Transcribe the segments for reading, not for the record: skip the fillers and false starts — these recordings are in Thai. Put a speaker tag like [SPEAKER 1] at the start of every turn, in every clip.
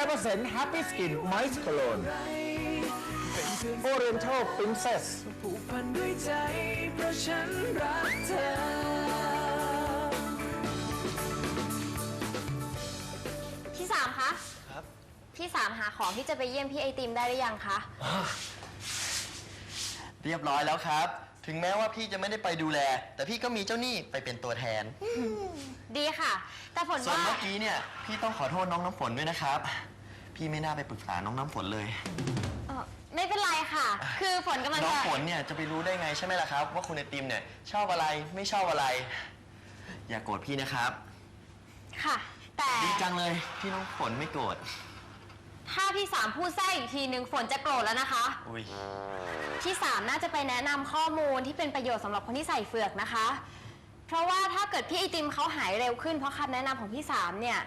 [SPEAKER 1] 100% Happy Skin Moist Cologne Oriental Princess
[SPEAKER 2] ผูกพันด้วยใจเพราะฉันรักเธอ
[SPEAKER 3] พี่สามคะครับพี่สามหาของที่จะไปเยี่ยมพี่ไอติมได้หรือยังคะ
[SPEAKER 4] เรียบร้อยแล้วครับถึงแม้ว่าพี่จะไม่ได้ไปดูแลแต่พี่ก็มีเจ้าหนี้ไปเป็นตัวแทน
[SPEAKER 3] ดีค่ะแต่ฝนว่า
[SPEAKER 4] ส่วนเมื่อกี้เนี่ยพี่ต้องขอโทษน้องน้ำฝนด้วยนะครับพี่ไม่น่าไปปรึกษาน้องน้ำฝนเลย
[SPEAKER 3] ไม่เป็นไรค่ะคือฝนกำลัง
[SPEAKER 4] น้องฝนเนี่ยจะไปรู้ได้ไงใช่ไหมล่ะครับว่าคุณไอติมเนี่ยชอบอะไรไม่ชอบอะไรอย่าโกรธพี่นะครับ
[SPEAKER 3] ค่ะแต่
[SPEAKER 4] ดีจังเลยที่น้องฝนไม่โกรธ
[SPEAKER 3] ถ้าพี่สามพูดแทรกอีกทีนึงฝนจะโกรธแล้วนะคะ
[SPEAKER 4] อุ้ย
[SPEAKER 3] พี่สามน่าจะไปแนะนำข้อมูลที่เป็นประโยชน์สำหรับคนที่ใส่เฟือกนะคะเพราะว่าถ้าเกิดพี่ไอติมเขาหายเร็วขึ้นเพราะคำแนะนำของพี่สามเนี่ย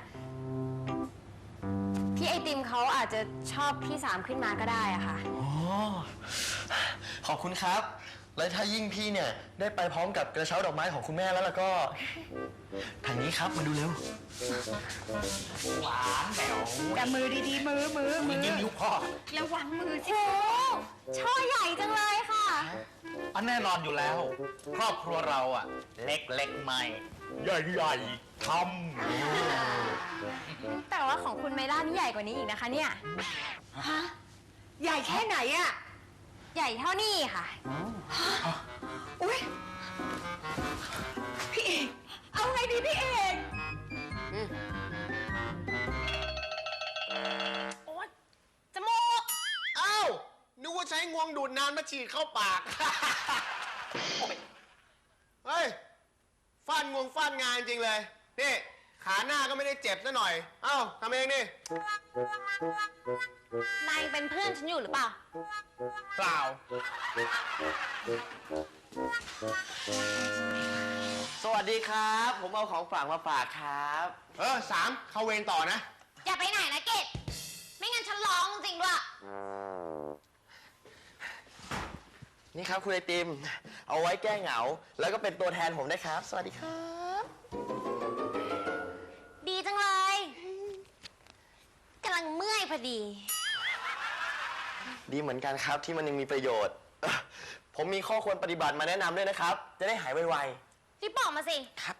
[SPEAKER 3] พี่ไอติมเขาอาจจะชอบพี่สามขึ้นมาก็ได้อะค่ะ
[SPEAKER 4] โอ้ขอบคุณครับและถ้ายิ่งพี่เนี่ยได้ไปพร้อมกับกระเช้าดอกไม้ของคุณแม่แล้วก็ทางนี้ครับมาดูเร็วหวานแหวว
[SPEAKER 5] แต่มือดีๆมือ
[SPEAKER 4] ยิ้มยุบพ่อ
[SPEAKER 3] ระวังมือสิช่อใหญ่จังเลยค่ะ
[SPEAKER 1] อันแน่นอนอยู่แล้วครอบครัวเราอะเล็กๆไม่ใหญ่ๆท
[SPEAKER 3] ำแต่ว่าของคุณเมล่านี่ใหญ่กว่านี้อีกนะคะเนี่ย
[SPEAKER 5] ฮะใหญ่แค่ไหนอะ
[SPEAKER 3] ใหญ่เท่านี้ค่ะ
[SPEAKER 5] อุ๊ยพี่เอกเอาไงดีพี่เอก
[SPEAKER 3] โอ๊ยจมูก
[SPEAKER 6] อ้าวนึกว่าใช้งวงดูดน้ำมาฉีดเข้าปากเฮ้ยฟาดงวงฟาดงานจริงเลยนี่ขาหน้าก็ไม่ได้เจ็บซะหน่อยเอ้าทำเองนี่
[SPEAKER 3] นายเป็นเพื่อนฉันอยู่หรือเปล่า
[SPEAKER 6] เปล่า
[SPEAKER 4] สวัสดีครับผมเอาของฝากมาฝากครับ
[SPEAKER 6] สามเข้าเวรต่อนะ
[SPEAKER 3] อย่าไปไหนนะเกดไม่งั้นฉันร้องจริงด้วย
[SPEAKER 4] นี่ครับคุณไอติมเอาไว้แก้เหงาแล้วก็เป็นตัวแทนผมนะครับสวัสดีครับ
[SPEAKER 3] ดีจังเลยกำลังเมื่อยพอดี
[SPEAKER 4] ดีเหมือนกันครับที่มันยังมีประโยชน์ผมมีข้อควรปฏิบัติมาแนะนำด้วยนะครับจะได้หายไว
[SPEAKER 3] ๆรีบบอกมาสิ
[SPEAKER 4] ครับ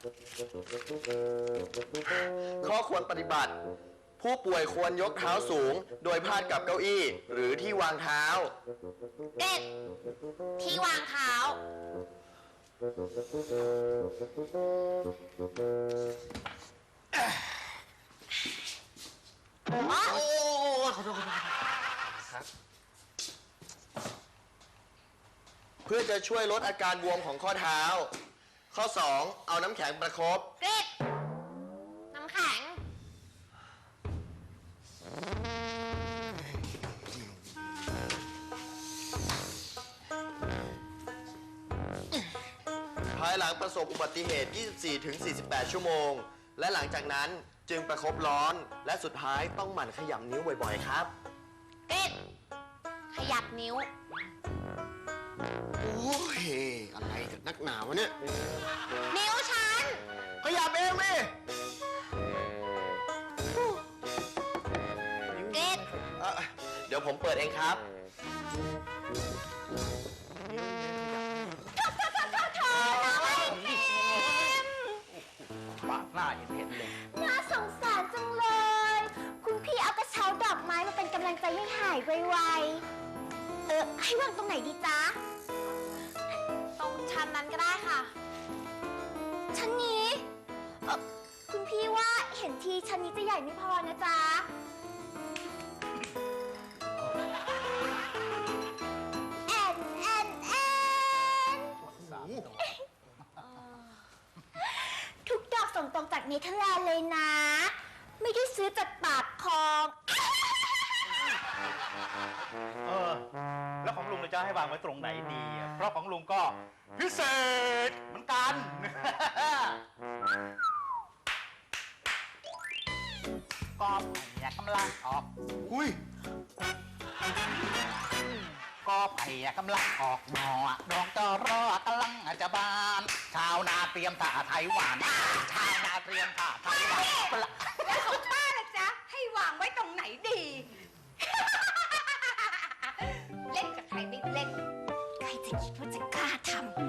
[SPEAKER 4] ข้อควรปฏิบัติผู้ป่วยควรยกเท้าสูงโดยพาดกับเก้าอี้หรือที่วางเท้า
[SPEAKER 3] เด็ดที่วางเท้า
[SPEAKER 4] โอ้ขอโทษครับเพื่อจะช่วยลดอาการบวมของข้อเท้าข้อ 2เอาน้ำแข็งประคบ
[SPEAKER 3] เด็ดน้ำแข็ง
[SPEAKER 4] ภายหลังประสบอุบัติเหตุ 24-48 ชั่วโมงและหลังจากนั้นจึงประคบร้อนและสุดท้ายต้องหมั่นขยำนิ้วบ่อยๆครับ
[SPEAKER 3] เด็ดขยับนิ้ว
[SPEAKER 6] โอ้ยอะไรกันนักหนาวะเนี่ย
[SPEAKER 3] นิ้วฉัน
[SPEAKER 6] ขยับเองดิ
[SPEAKER 3] เด็ด
[SPEAKER 4] เดี๋ยวผมเปิดเองครับ
[SPEAKER 1] ปากหน้าอย่างเห็นเลย
[SPEAKER 3] น่าสงสารจังเลยคุณพี่เอากระเช้าดอกไม้มาเป็นกำลังใจให้หายไวๆให้วางตรงไหนดีจ๊ะตรงชั้นนั้นก็ได้ค่ะชั้นนี้คุณพี่ว่าเห็นทีชั้นนี้จะใหญ่ไม่พอนะจ๊ะทุกดอกส่งตรงจากเนเธอร์แลนด์เลยนะไม่ได้ซื้อจากปากคลอง
[SPEAKER 1] แล้วของลุงจะให้วางไว้ตรงไหนดีเพราะของลุงก็พิเศษเหมือนกันก็อยากกำลังออก
[SPEAKER 6] อุ้ย
[SPEAKER 1] ก็ไผ่กำลังออกหน่อดองจอรอกำลังจะบานชาวนาเตรียมถ่าไทยหวานชาวนาเตรียมถ่าไทยหวาน
[SPEAKER 5] แล้วของป้าล่ะจ๊ะให้วางไว้ตรงไหนดี
[SPEAKER 3] เล่นกับใครไม่เล่น ใครจะคิดว่าจะกล้าทำ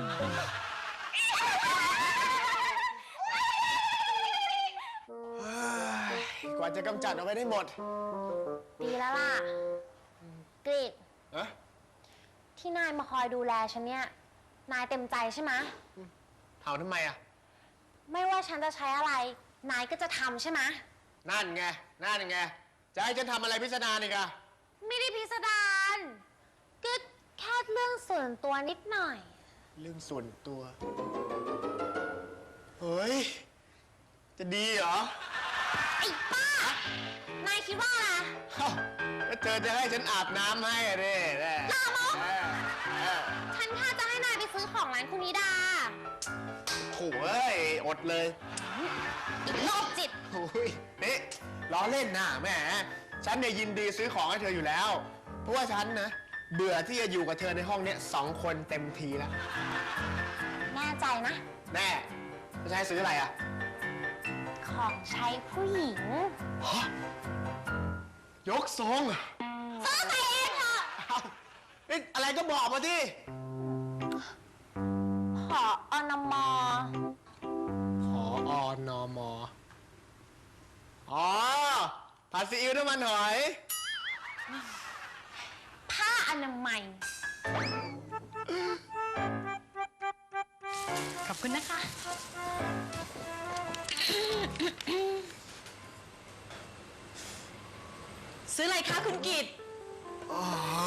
[SPEAKER 6] กว่าจะกำจัดเอาไว้ได้หมด
[SPEAKER 3] ดีแล้วล่ะกรีด
[SPEAKER 6] เอ๊ะ
[SPEAKER 3] ที่นายมาคอยดูแลฉันเนี่ย นายเต็มใจใช่ไหม
[SPEAKER 6] ถามทำไมอ่ะ
[SPEAKER 3] ไม่ว่าฉันจะใช้อะไร นายก็จะทำใช่ไหม
[SPEAKER 6] นั่นไง นั่นไง จะให้ฉันทำอะไรพิสดารอีกอะ
[SPEAKER 3] ไม่ได้พิสดารก็แค่เรื่องส่วนตัวนิดหน่อย
[SPEAKER 6] เรื่องส่วนตัว เฮ้ย จะดีเหรอ
[SPEAKER 3] ไอ้ป้า นายคิดว่าอะไร
[SPEAKER 6] เอ้าแล้วเธอจะให้ฉันอาบน้ำให้อะดิแน่
[SPEAKER 3] ลามก
[SPEAKER 6] เออ
[SPEAKER 3] ฉันแค่จะให้นายไปซื้อของร้านคุณนิดา
[SPEAKER 6] โถ่เอ้ย อดเลย
[SPEAKER 3] โรคจิต
[SPEAKER 6] โอ้ยนี่ล้อเล่นนะแหม่ฉันเนี่ยยินดีซื้อของให้เธออยู่แล้ว เพราะว่าฉันนะ เบื่อที่จะอยู่กับเธอในห้องเนี้ย2 คนเต็มทีแล้ว
[SPEAKER 3] แน่ใจนะ
[SPEAKER 6] แน่จะให้ซื้ออะไรอ่ะ
[SPEAKER 3] ของใช้ผู้หญิง
[SPEAKER 6] ยกทรง
[SPEAKER 3] ซื้อไปเองเถอะ
[SPEAKER 6] เอ้านี่อะไรก็บอกมาดิ
[SPEAKER 3] ขออนมอ
[SPEAKER 6] ขออนมอ๋อผัดซีอิ๊วน้ำมันหอย
[SPEAKER 3] ผ้าอนามัย
[SPEAKER 5] ขอบคุณนะคะ ซื้ออะไรคะคุณกิต
[SPEAKER 6] อ๋อ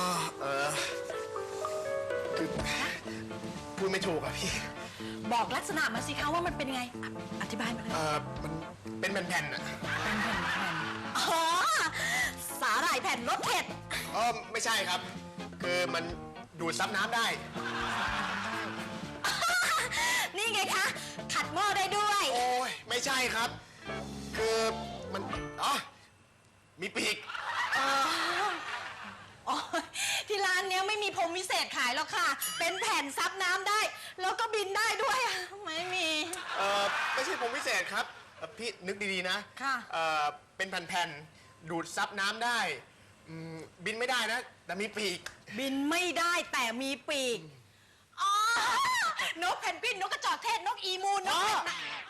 [SPEAKER 6] คือพูดไม่ถูกอะพี่
[SPEAKER 5] บอกลักษณะมาสิคะว่ามันเป็นยังไง อธิบายมาเลย
[SPEAKER 6] มันเป็นแผ่นๆอะ
[SPEAKER 5] เป็นแผ่นๆอ๋อ สาหร่ายแผ่นรสเผ็ด
[SPEAKER 6] ไม่ใช่ครับ คือมันดูดซับน้ำได้
[SPEAKER 5] นี่ไงคะ ขัดหม้อได้ด้วย
[SPEAKER 6] โอ้ย ไม่ใช่ครับ คือมันอ๋อมีปีก
[SPEAKER 5] อ๋อ ที่ร้านเนี้ยไม่มีพรมวิเศษขายหรอกค่ะ เป็นแผ่นซับน้ำได้ แล้วก็บินได้ด้วยอะไม่มี
[SPEAKER 6] ไม่ใช่ผมพิเศษครับพี่นึกดีๆนะ
[SPEAKER 5] ค่ะ
[SPEAKER 6] เป็นแผ่นๆดูดซับน้ำได้บินไม่ได้นะ แต่มีปีก
[SPEAKER 5] บินไม่ได้แต่มีปีก อ๋อ นกเพนกวิน นกกระจอกเทศ นกอีมูนนก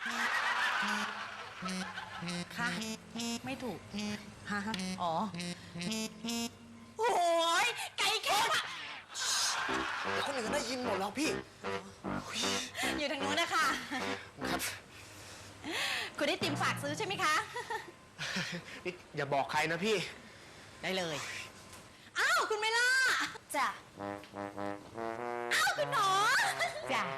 [SPEAKER 5] ค่ะ ไม่ถูกฮะอ๋อ โอ้ย ไก่แค่
[SPEAKER 6] เดี๋ยวคนอื่นได้ยินหมดแล้วพี่
[SPEAKER 5] อยู่ทางนู้นนะคะ
[SPEAKER 6] ครับ
[SPEAKER 5] คุณได้ติมฝากซื้อใช่ไหมคะ
[SPEAKER 6] นี่อย่าบอกใครนะพี่
[SPEAKER 5] ได้เลย อ้าว คุณเมล่า
[SPEAKER 3] จ้ะ
[SPEAKER 5] อ้าว คุณหนอ
[SPEAKER 3] จ้ะ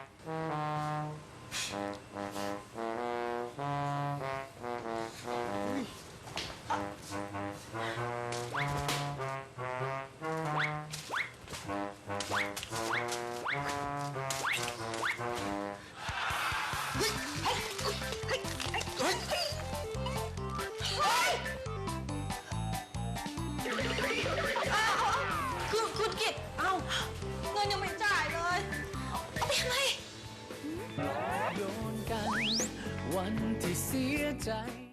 [SPEAKER 5] คุณกิตเอ้า เงินยังไม่จ่ายเลย เอาไปทำไม
[SPEAKER 2] โยนกันวันที่เสียใจ